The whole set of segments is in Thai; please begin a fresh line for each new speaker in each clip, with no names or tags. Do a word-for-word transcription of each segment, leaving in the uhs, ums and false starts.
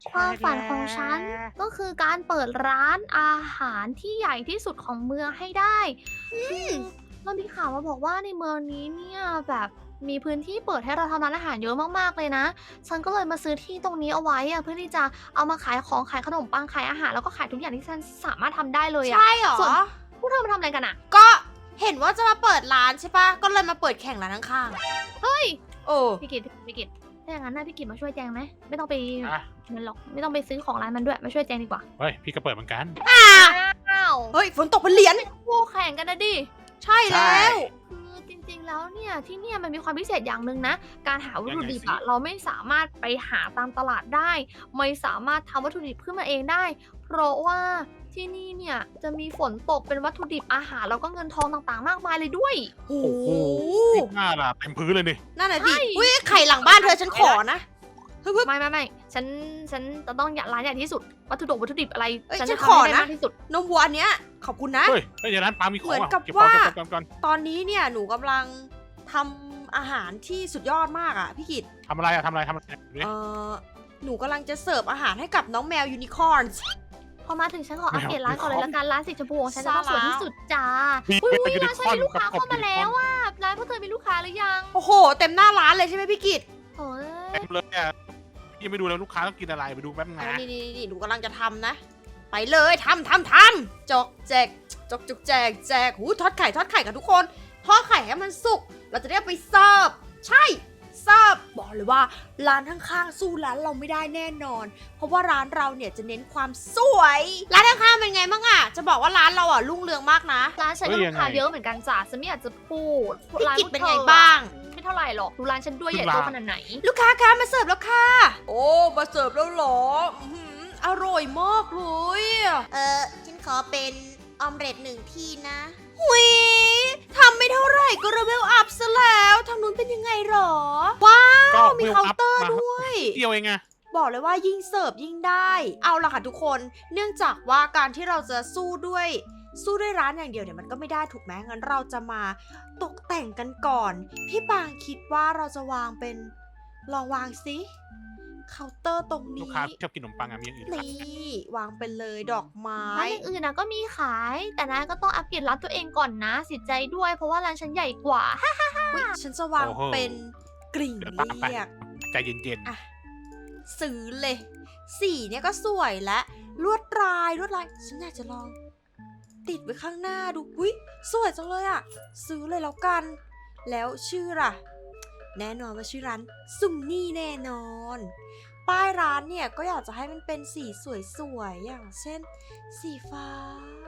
ความฝันของฉันก็คือการเปิดร้านอาหารที่ใหญ่ที่สุดของเมืองให้ได้คือเรามีข่าวมาบอกว่าในเมืองนี้เนี่ยแบบมีพื้นที่เปิดให้เราทำร้านอาหารเยอะมากๆเลยนะฉันก็เลยมาซื้อที่ตรงนี้เอาไว้อะเพื่อที่จะเอามาขายของขายขนมปังขายอาหารแล้วก็ขายทุกอย่างที่ฉันสามารถทำได้เลยอะ
ใช่เหรอ
ส่วนพวกเธอมาทำอะไรกันอะ
ก็เห็นว่าจะมาเปิดร้านใช่ปะก็เลยมาเปิดแข่งร้านข้าง
เฮ้ย
ๆโอ้
พี่กิตพี่กิตถ้าอย่างนั้นนะพี่กิตมาช่วยแจงไหมไม่ต้องไป
อ่ะ
นั่นหรอกไม่ต้องไปซื้อของร้านมันด้วยมาช่วยแจงดีกว่า
เฮ้ยพี่ก็เปิดเหมือนกัน
อ้าว
เฮ้ยฝนตกเป็นเหรียญ
คู่แข่งกันนะดิ
ใช่แล้ว
คือจริงๆ แล้วเนี่ยที่เนี่ยมันมีความพิเศษอย่างหนึ่งนะ การหาวัตถุดิบอะ
ยังไงสิ
เราไม่สามารถไปหาตามตลาดได้ ไม่สามารถทำวัตถุดิบขึ้นมาเองได้ เพราะว่าที่นี่เนี่ยจะมีฝนตกเป็นวัตถุดิบอาหารแล้วก็เงินทองต่างๆ มากมายเลยด้วย
โอ้
โอ้
โห
โหหน้าล่ะเต็มพื้นเลยนี่
นั่นน่ะดิ
ใช่
อุ้ยไข่หลังบ้านเธอฉันขอนะฮึบ
ไม่ไม่ไม่ฉันฉันจะต้องอยากร้านใหญ่ที่สุด วัตถุดิบวัตถุดิบอะไร
เอ้ย
ฉัน
ฉั
จะ
น
ทำ
ขอ
ให้ได้
นะ
มากที่สุด
นมวัวอันเนี้ยขอบคุณนะ
เฮ้ยเฮ้ยในร้านปลามีของ
เหมือน
อ่ะ
กับ
เก็บของ
ว่า
เก็บของก่อน
ตอนนี้เนี่ยหนูกำลังทำอาหารที่สุดยอดมากอ่ะพี่กิต
ทำอะไรอะทำอะไรทำอะไรดูดิ
เออหนูกำลังจะเสิร์ฟอาหารให้กับน้องแมวยูนิคอร์น
พอมาถึงฉันขออัปเดตร้านก่อนเลยละกันร้านสีชมพูของฉันจะต้องสวยที่สุดจ้า
มี
อุ้ย
เป็นยูนิ
ร้าน
ค
ฉัน
อร์น
มีลูก
กับ
ค้าก
บ
เข้ามา
ยูนิค
แล้
อร์
วน ว่าร้านพวกเธอมีลูกค้าหรือยัง
โอ้โห เต็มหน้าร้านเลยใช่ไหมพี่กิต
โอ้ย
เต็มเลยอ่ะพี่ยังไม่ดูแล้วลูกค้าต้องกินอะไรไปดูแป๊บนึง
เอา
นะ
นี่นี่นี่หนูกำลังจะทำนะ ไปเลยทำทำทำจกแจกจกจกแจกแจกหูทอดไข่ทอดไข่กับทุกคนทอดไข่ให้มันสุก เราจะได้เอาไปเสิร์ฟใช่เสิร์ฟบอกเลยว่าร้านข้างๆสู้ร้านเราไม่ได้แน่นอน เพราะว่าร้านเราเนี่ยจะเน้นความสวย ร้านข้างๆเป็นไงบ้างอะจะบอกว่าร้านเราอะรุ่งเรืองมากนะ
ร้านฉันก็ลูกค้าเยอะเหมือนกันจ้าฉันไม่อยากจะพูด
พี่
ร้าน
กิต
พวก
เป็น
ธอ
ไงบ้าง
ไม่เท่าไหร่หรอกดูร้านฉันด้วยใหญ่โตขนาดไหน
ลูกค้าคะมาเสิร์ฟแล้วค่ะ โอ้มาเสิร์ฟแล้วเหรออื้อหืออร่อยมากเลยเออฉันขอเป็นออมเล็ตหนึ่งที่นะหุยทำไม่เท่าไหร่ก็ระเวลอัพซะแล้วทางนู้นเป็นยังไงหรอ ว้าว
ก็
มี
วล
เคาน์
อัพ
เตอร์
มา
ด้วย
เดียวเองอะ
บอกเลยว่ายิ่งเสิร์ฟยิ่งได้ เอาล่ะค่ะทุกคน เนื่องจากว่าการที่เราจะสู้ด้วย สู้ด้วยร้านอย่างเดียวเนี่ยมันก็ไม่ได้ถูกไหมงั้นเราจะมาตกแต่งกันก่อน พี่ปางคิดว่าเราจะวางเป็น ลองวางสิเคาน์เตอร์ตรง
ลูก
นี้
ค้าชอบกินขนมปังอะมีอย่างอื่นขาย
นี่วางไปเลยดอกไม้
ร้านอื่นๆนะก็มีขาย แต่นะก็ต้องอัปเกรดร้านตัวเองก่อนนะเสิใจด้วยเพราะว่าร้านฉันใหญ่กว่า
อุ๊ยฉันจะวางเป็นกริ่ง
เดี๋ยว
เ
ตามไป
รียก
ใจเย็น
อ่ะ ซื้อเลย สีเนี่ยก็สวยและลวดลายลวดลาย ฉันอยากจะลอง ติดไว้ข้างหน้าดูอุ้ยสวยจังเลยอ่ะ ซื้อเลยแล้วกัน แล้วชื่อล่ะ แน่นอนว่าชื่อร้านซุมนี่แน่นอน ป้ายร้านเนี่ยก็อยากจะให้มันเป็นสีสวยๆอย่างเช่น สีฟ้า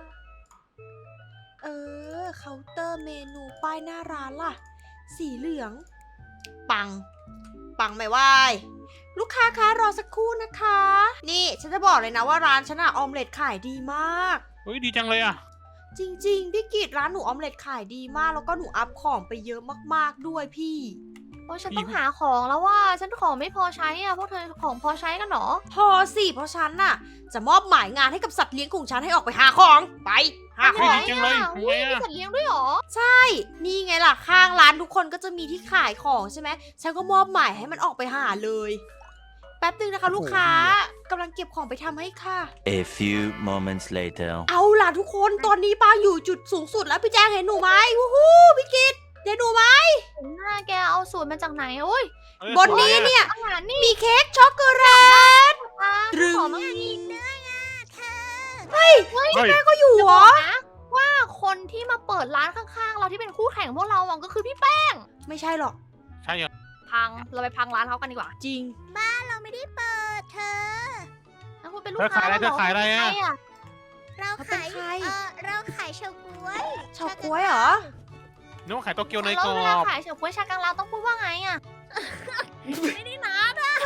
เออเคาน์เตอร์เมนูป้ายหน้าร้านล่ะ สีเหลือง ปัง ปังไม่ไหวลูกค้าคะรอสักครู่นะคะ นี่ฉันจะบอกเลยนะว่าร้านฉันอะออมเล็ตขายดีมาก
ๆเฮ้ยดีจังเลยอะ
จริงๆ พี่กิตร้านหนูออมเล็ตขายดีมาก แล้วก็หนูอัพของไปเยอะมากๆด้วยพี่
โอ้ยฉันต้องหาของแล้วว่าฉันของไม่พอใช้อ่ะพวกเธอของพอใช้กันเหรอ
พอสิเพราะฉันน่ะ จะมอบหมายงานให้กับสัตว์เลี้ยงของฉันให้ออกไปหาของไปหาข
เฮ้ย
อง
ดีจังเลย
อ่ะ
ทำ
อุ้
ไง
ยมี
อะ
สัตว์เลี้ยงด้วยเหรอ
นี่ไงล่ะข้างร้านทุกคนก็จะมีที่ขายของใช่ไหมฉันก็มอบหมายให้มันออกไปหาเลย แป๊บนึงนะคะลูกค้ากำลังเก็บของไปทำให้ค่ะ
A few moments later.
เอาล่ะทุกคนตอนนี้ป้าอยู่จุดสูงสุดแล้วพี่แจงเห็นหนูไหมวู้ฮู้พี่กิตเห็นหนูไหม
หน้าแกเอาสูตรมาจากไหนโอ้ย
เอ้ย
บนนี้เนี่ย
อาหารนี่
มีเค้กช็อกโกแลต
อ่ะ
ตรึง
ขอมาอีก
เฮ้ย
เฮ้ย
ก็อยู่
จะ
เหร
บอ
อก
นะว่าคนที่มาเปิดร้านข้างๆ เราที่เป็นคู่แข่งพวกเราอ่ะก็คือพี่แป้ง
ไม่ใช่หรอก
ใช่เหรอ
พังเราไปพังร้านเขากันดีกว่า
จริง
เราไม่ได้เปิดเธอ
แล้วคุณเป็นลู
เธ
ก
อขายอะไร
ค้า
เธอขายอะไรอะ
ใคอ่ะ
เรา
เขาเป็น
ขาย
ใคร
เออเราขายเฉาก๊วย
เฉาก๊วยเหรอ
นึกว่าขายโตเกียวเนย
แล้ว
กรอ
เวลา
บ
ขายเฉาก๊วยชากังลาวต้องพูดว่าไงอ่ะ
ไม่ได้นะ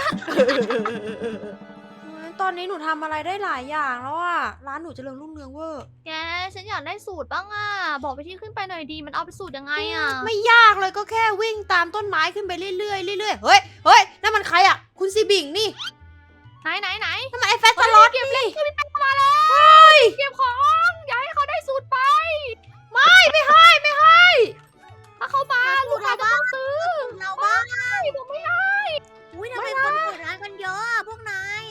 ตอนนี้หนูทำอะไรได้หลายอย่างแล้วอะร้านหนูเจริญรุ่งเรืองเวอร์
แกฉันอยากได้สูตรบ้างอ่ะ บอกไปที่ขึ้นไปหน่อยดี มันเอาไปสูตรยังไงอ่ะ
ไม่ยากเลยก็แค่วิ่งตามต้นไม้ขึ้นไปเรื่อยๆเรื่อยๆเฮ้ยเฮ้ยนั่นมันใครอะคุณซีบิงนี่
ไหนไหนไหน
นั่นมันไอ้แฟตสล็อต
เก็บเล่
นี่
นคือพี่แป้งมาแล้วเก็บของอย่าให้เขาได้สูตรไป
ไม่ไม่ให้ไม่ให้
ถ้าเขามาลูกค้าจะต้องซื้อ
เราบ้าง
ผมไม่ให้
อุ้ยทำไมคนเปิดร้านกันเยอะอะพวกนาย
เ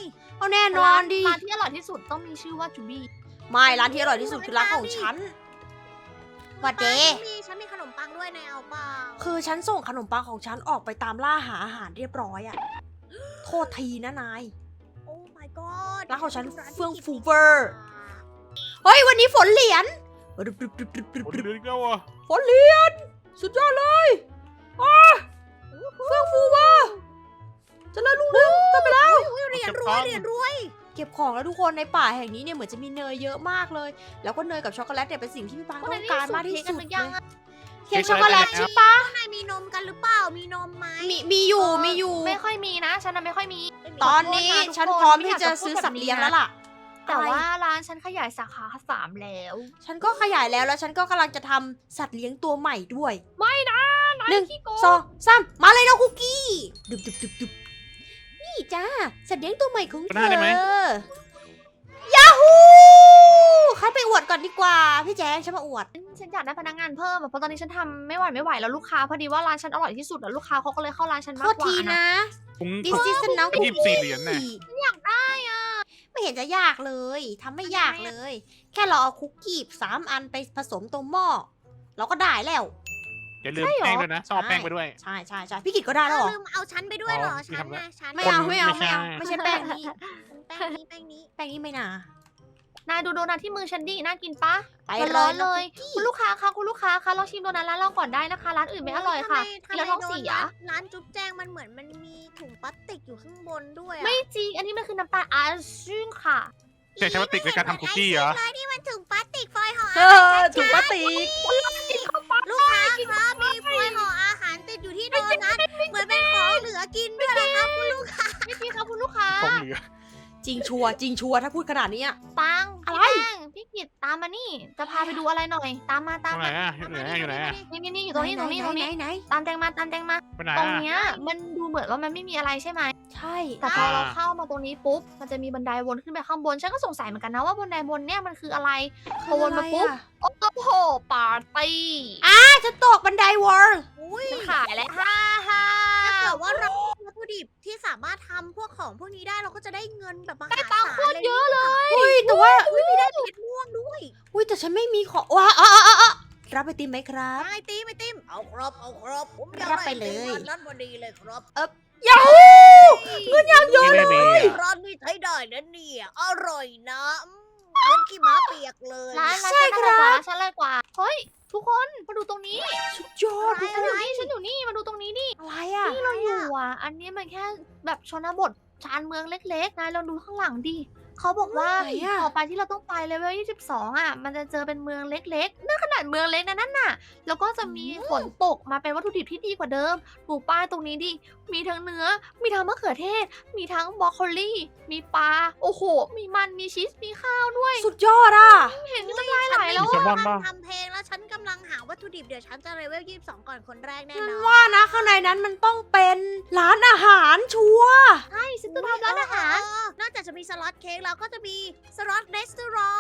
เอาแน่นอนดิ
ร้านที่อร่อยที่สุดต้องมีชื่อว่าจูบี้
ไม่ร้านที่อร่อยที่สุดคือร้านของฉันหวัดเด
ฉันมีฉันมีขนมปังด้วยในเอาเปล่า
คือฉันส่งขนมปังของฉันออกไปตามล่าหาอาหารเรียบร้อยอะโทษทีนะนาย
โอ้ my god
ร้านของฉัน
ร้านที่
เฟื่อง
กิน
ฟูเวอร์ เฮ้ยวันนี้ฝนเหรียญ
โอ้ยเดือดแล้วอ่ะ
ฝนเหรียญสุดยอดเลยอ้าเฟื่องฟูเวอร์เจะเลิญรุ่งเรืองกันไปแล้ว
อุ้ยเหรียญรวยเหรียญรวย
เก็บของแล้วทุกคนในป่าแห่งนี้เนี่ยเหมือนจะมีเนยเยอะมากเลย แล้วก็เนยกับช็อกโกแลตเนี่ยเป็นสิ่งที่พี่ปาง
พวก
ต้
นั้
อน ง
นี่
การ
สู
มาก
ตร
ที่
เค้ก
สุ
กัน
ด
หรือยัง
เลย
อะ
เค้กช็อกโกแลตใช่ปะ
ข้างในมีนมกันหรือเปล่ามีนมไหม
มีมีอยู่มีอยู่
ไม่ค่อยมีนะฉันน่ะไม่ค่อยมี
ตอนนี้
ขอโทษนะทุกคน
ฉันพร้อม
ไม่
ที่
อยาก
จะ
จะพูด
ซื้อ
แบบ
สัตว์
นี้
เลี้ยง
นะ
แล้วล่ะ
แต่ว่า
อะไร
ร้านฉันขยายสาขาสามแล้ว
ฉันก็ขยายแล้วแล้วฉันก็กำลังจะทำสัตว์เลี้ยงตัวใหม่ด้วย
ไม่นะนาย
หนึ่ง
ขี้โก
สอง งสามมาเลยน้องคุกกี้ดึบดึบดึบดึบนี่จ้าสัตว์เลี้ยงตัวใหม่ของเธอยาฮูใครไปอวดก่อนดีกว่าพี่แจ๊คฉันมาอวด
ฉันอยากได้พนักงานเพิ่มอะเพราะตอนนี้ฉันทำไม่ไหวไม่ไหวแล้วลูกค้าพอดีว่าร้านฉันอร่อยที่สุดแล้วลูกค้าเขาก็เลยเข้าร้านฉัน
โท
มาก
ษ
กว่า
ที
นะ
นะ
ถุง
This is น้องคุก
ยี่สิบสี่เหรียญน่ะ
อยากได้อ่ะ
ไม่เห็นจะยากเลยทำไม่ยากเลย แค่เราเอาคุกกี้สามอันไปผสมตรงหม้อเราก็ได้แล้ว
อย่าลืมแป้งด้วยนะซ่อแป้งไปด้วย
ใช่ใช่ใช่พี่กิตก็ได้แล้วเหรอ
ลืมเอาฉันไปด้วยเหรอ
อ๋อ
ฉัน
ไม่
นะ
ทำ
ฉัน
ไม่เอาไม่เอา
ไม่
ไม่
ใช่
เอาไม่ใช่แป้งนี้
แป้งนี้แป้งนี้
แป้งนี้ไม่น่าน
ายดูโดนัทที่มือฉันดิน่ากินปะ
ไป
มัน
เล
ร้อย น
น้
เล
อง
ย
คุกกี้
คุณลูกค้าคะคุณลูกค้าคะลองชิมโดนัทร้านเราก่อนได้นะคะ ร้านอื่นไม่อร่อยค่ะกินแล้วท้องเสีย
ร้านจุ๊บแจงมันเหมือนมันมีถุงพลาสติกอยู่ข้างบนด้วยอะ
ไม่จริง อันนี้มันคือน้ำตาลอาซึ่งค่ะ
ใช้ใช้พลาสติกในการทำคุกกี้เหรอ
ไอ้นี่มันถุงพลาสติกฟอยล์ห่อ
เออถุงพลาสติก
ลูกค้าครับมีฟอยล์ห่ออาหารติดอยู่ที่โดนัทเหมือนเป็นของเหลือกินด้วยนะครับคุณลูกค้า
ไม่จริงค่ะคุณลูกค้า
ของเหลือ
จริงชัวร์จริงชัวร์ถ้าพูดขนาดนี้อะ
ปัง
อะไร
พี่แป้งพี่กิตตามมานี่ จะพาไปดูอะไรหน่อย ตามมา
ตร
ตาม
งไหน
มา
อ่ะอยู่ไหนอ่ะอยู่ไหนอ่ะ
นี่นี่นี่อยู่ตรงนี้ตรงนี้ตรงนี้
ไหนไหน
ตามแตงมาตามแตงมา
ไปไหน
ตรง
อ่ะ
เนี้ยมันดูเหมือนว่ามันไม่มีอะไรใช่ไหม
ใช่
แต่พอ
อ่า
เราเข้ามาตรงนี้ปุ๊บ มันจะมีบันไดวนขึ้นไปข้างบน ฉันก็สงสัยเหมือนกันนะว่าบันไดบนเนี่ยมันคืออะไร พอวนมาปุ๊บ โอ้โหปาร์ตี้
อ่ะจะตกบันไดวอล
อุ้ย
ฉันขายแล้วฮ่าฮ่า
ถ้าเกิดว่าเราวัตถุดิบที่สามารถทำพวกของพวกนี้ได้เราก็จะได้เงินแบบมหา
ได้
ศา
ตั
ล
งค์โคตรเยอะเลย
อุ้ยแต่ว่า
อุ้ยมีได้เพชรม่วงด้วย
อุ้ยแต่ฉันไม่มีของว้าอ๋ออ๋ออ๋อรับไอติมไหมครับ
ไอติมไอติมเอาครับเอาครับผมอยาก
รับ
ได้
ไปเลย
ไอติมร้านนั้นพอดีเลยครับ
ยาฮูเงินยังเยอะ
นี่
เล
ไม่
ย
มีอ่ะ
ร้านนี้ใช้ได้นะเนี่ยอร่อยนะอืมเหมือนขี้ม้าเปียกเลย
ร้านร้าน
ใช่
ฉัน
ครั
อะไรกว่า
บ
ร้านฉันอะไรกว่า เฮ้ย ทุกคนมาดูตรงนี้
สุดยอด
ฉันอยู่นี่ฉันอยู่นี่มาดูตรงนี้ดิ
อะไรอ่ะ
ที่เราอยู่อ่ะ อันนี้มันแค่แบบชนบทชานเมืองเล็กๆ นายลองดูข้างหลังดิ เขาบอกว่า
ไหนอะ
ต่อไปที่เราต้องไปเลเวลยี่สิบสองอ่ะ มันจะเจอเป็นเมืองเล็กๆนั่นขนาดเมืองเล็กนะนั่นน่ะ แล้วก็จะมีฝนตกมาเป็นวัตถุดิบที่ดีกว่าเดิมดูป้ายตรงนี้ดิ มีทั้งเนื้อ มีทั้งมะเขือเทศ มีทั้งบรอกโคลีมีปลา โอ้โห มีมัน มีชีส มีข้าวด้วย
สุดยอดอ่ะ
เห็นน้ำลายไหลแล้ว
มีแซล
อะ
มอนป่ะ
ทำเพลงแล้วฉันกำลังหาวัตถุดิบเดี๋ยวฉันจะเลเวลยี่สิบสองก่อนคนแรกแน่
ฉัน
นอน
ว่านะข้างในนั้นมันต้องเป็นร้านอาหารชัวร์
ใช่ฉันจะทำร้านอาหาร
เออนอกจากจะมีสล็อตเค้กแล้วก็จะมีสล็อตเรสตอรอง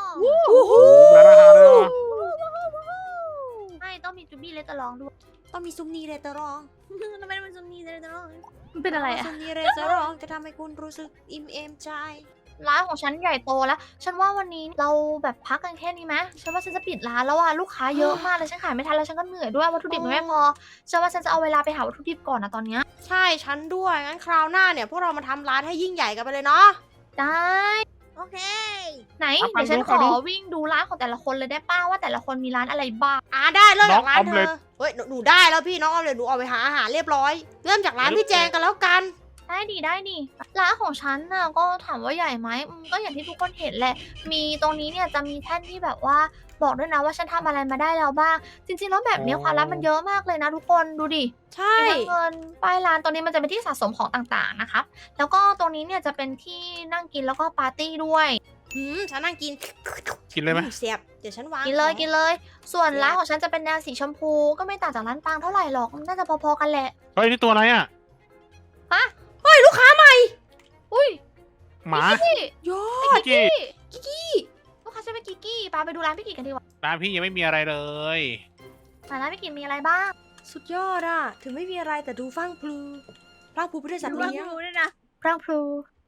โอ้โห
ร้านอาหารเลยเหรอ
ใช่ต้องมีจูบี้เลตตะลองด้วย
ต้องมีซุมนีเรตอรอง
ทำไมมันจะมีเรสตอรอง
มันเป็นอะไรอะ
ซุมนีเรตอรองจะทำให้คุณรู้สึกอิ่มเอมใจ
ร้านของฉันใหญ่โตแล้ว ฉันว่าวันนี้เราแบบพักกันแค่นี้ไหมฉันว่าฉันจะปิดร้านแล้วอ่ะลูกค้าเยอะมากเลยฉันขายไม่ทันแล้วฉันก็เหนื่อยด้วยวัตถุดิบมันไม่พอฉันว่าฉันจะเอาเวลาไปหาวัตถุดิบก่อนนะตอนเนี้ย
ใช่ฉันด้วยงั้นคราวหน้าเนี่ยพวกเรามาทำร้านให้ยิ่งใหญ่กันไปเลยเนาะ
ได้
โอเค
ไหน
เอาไป
เดี๋ยวฉัน
ดู
ข
ขอ
อ
ดู
วิ่งดูร้านของแต่ละคนเลยได้ป้าว่าแต่ละคนมีร้านอะไรบ้าง
อ่าได้เริ่มจากร้าน
น้องออม
เธ
เล็
อ
ต
เฮ้ยหนูหนูได้แล้วพี่น้องออมเล็ตหนูออกไปหาอาหารเรียบร้อย เริ่มจากร้านพี่แจงกันแล้วกัน
ได้ดีได้ดีร้านของฉันน่ะก็ถามว่าใหญ่ไหมอืมก็อย่างที่ทุกคนเห็นแหละ มีตรงนี้เนี่ยจะมีแท่นที่แบบว่าบอกด้วยนะว่าฉันทำอะไรมาได้แล้วบ้าง จริงๆแล้วแบบเนี้ยความลับมันเยอะมากเลยนะทุกคนดูดิ
ใช่
มีทั้งเงินป้ายร้านตรงนี้มันจะเป็นที่สะสมของต่างๆนะครับ แล้วก็ตรงนี้เนี่ยจะเป็นที่นั่งกินแล้วก็ปาร์ตี้ด้วย
หืมฉันนั่งกิน
กินเลยไหม
อืเสียบเดี๋ยวฉันวาง
กินเลย
ของ
กินเลย ส่วน
เนี่ย
ร้านของฉันจะเป็นแนวสีชมพูก็ไม่ต่างจากร้านปังเท่าไหร่หรอกมันน่าจะพอๆกันแหละ
เฮ้ยนี่ตัวอะไรอ่ะ
เฮ้ยลูกค้าใหม่
อุ้ย
หมา
พี่
ยอ
กิกกี้
กิกกี้ลูกค้าจะเป็นกิกกี้ปาไปดูร้านพี่กิกกันดีกว่า
ร้านพี่ยังไม่มีอะไรเลย
ร้านพี่กิกมีอะไรบ้าง
สุดยอดอะถึงไม่มีอะไรแต่ดูฟังพลูฟังพลูไปด้วยสัตว์
ดู
เลี้ยง
ดูด้วยนะ
พรังพลู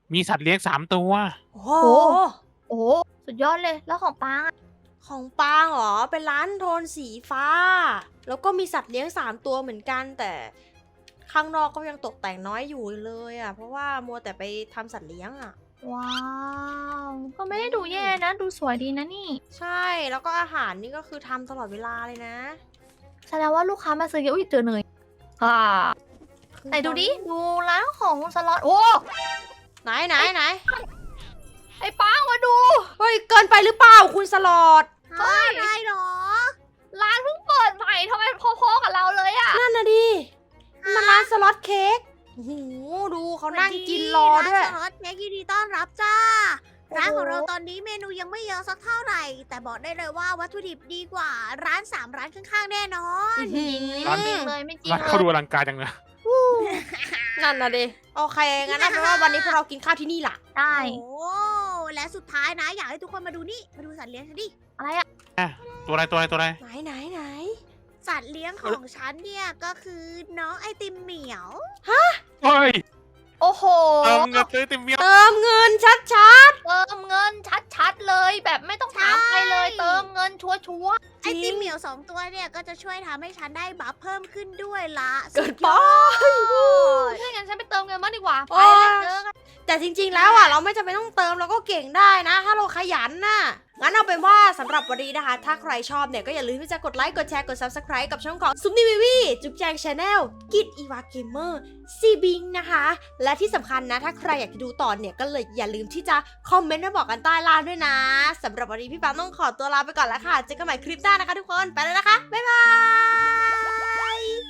มีสัตว์เลี้ยงสามตัว
โอ้โห
โอ้โหสุดยอดเลยแล้วของปางอะ
ของปางเหรอ เป็นร้านโทนสีฟ้า แล้วก็มีสัตว์เลี้ยงสามตัวเหมือนกัน แต่ข้างนอกก็ยังตกแต่งน้อยอยู่เลยอ่ะ เพราะว่ามัวแต่ไปทำสัตว์เลี้ยงอ่ะ
ว้าวก็ไม่ได้ดูแย่นะ ดูสวยดีนะนี่
ใช่ แล้วก็อาหารนี่ก็คือทำตลอดเวลาเลยนะ
แสดงว่าลูกค้ามาซื้อเยอะอุ้ยเจอเนยค่ะไหนดูดิ ดูร้านของสล็อตโอ้
ไหนไหนไหน
ไอ้ป้างมาดู
เฮ้ย เกินไปหรือเปล่าคุณสลอด
เฮ้ย
อะไรหรอ
ร้านเพิ่งเปิดใหม่ทำไมพอๆกับเราเลยอะ
นั่นนะดิ มันร้านสล็อตเค้กโอ้โหดูเขานั่งกินรอด้วย
ร้านสล็อตเค้กยินดีต้อนรับจ้า ร้านของเราตอนนี้เมนูยังไม่เยอะสักเท่าไหร่ แต่บอกได้เลยว่าวัตถุดิบดีกว่าร้านสามร้านข้างๆแน่นอน
อื้อหือ
ไม่จริงเลยไม่จริง
ร้าน
เล
เขาดู
ย
อลังการจังเลย
นั่นนะดิ โอเค งั้นเอาเป็นว่าวันนี้พวกเรากินข้าวที่นี่ล่ะ
ได้
โอ้และสุดท้ายนะ อยากให้ทุกคนมาดูนี่ มาดูสัตว์เลี้ยงฉันดิ
อะไรอะ
ตัวอะไรตัวอะไรตัวอะไร
ไหนไหนไหน
สัตว์เลี้ยงของฉันเนี่ยก็คือน้องไอติมเหมียว
เฮ้ย
โอ้โห
เติมเงินซื้อติมเมียว
เติมเงินชัด
เติมเงินชัดๆเลย แบบไม่ต้องถามใครเลย
ใช่
เติมเงินชัวร์
ไอติมเหมียวสองตัวเนี่ยก็จะช่วยทำให้ฉันได้บัฟเพิ่มขึ้นด้วยละ
ๆ เกินไป
ๆถ้างั้นฉันไปเติมเงินบ้างดีกว่า ไป
โอ้
เลยเจอกัน
แต่จริงๆ แล้วอ่ะเราไม่จำเป็นต้องเติมเราก็เก่งได้นะ ถ้าเราขยันน่ะ งั้นเอาเป็นว่าสำหรับวันนี้นะคะ ถ้าใครชอบเนี่ยก็อย่าลืมที่จะกดไลค์ กดแชร์ กด Subscribe กับช่องของซุปนิวิวีจุ๊บแจงชาแนลกิดอีวาเกมเมอร์ซีบิงนะคะ และที่สำคัญนะ ถ้าใครอยากจะดูต่อเนี่ยก็เลยอย่าลืมที่จะคอมเมนต์มาบอกกันใต้ล่างด้วยนะสำหรับวันนี้พี่ปาต้องขอตัวลาไปก่อนแล้วค่ะเจอกันใหม่คลิปหน้านะคะทุกคนไปแล้วนะคะบ๊ายบาย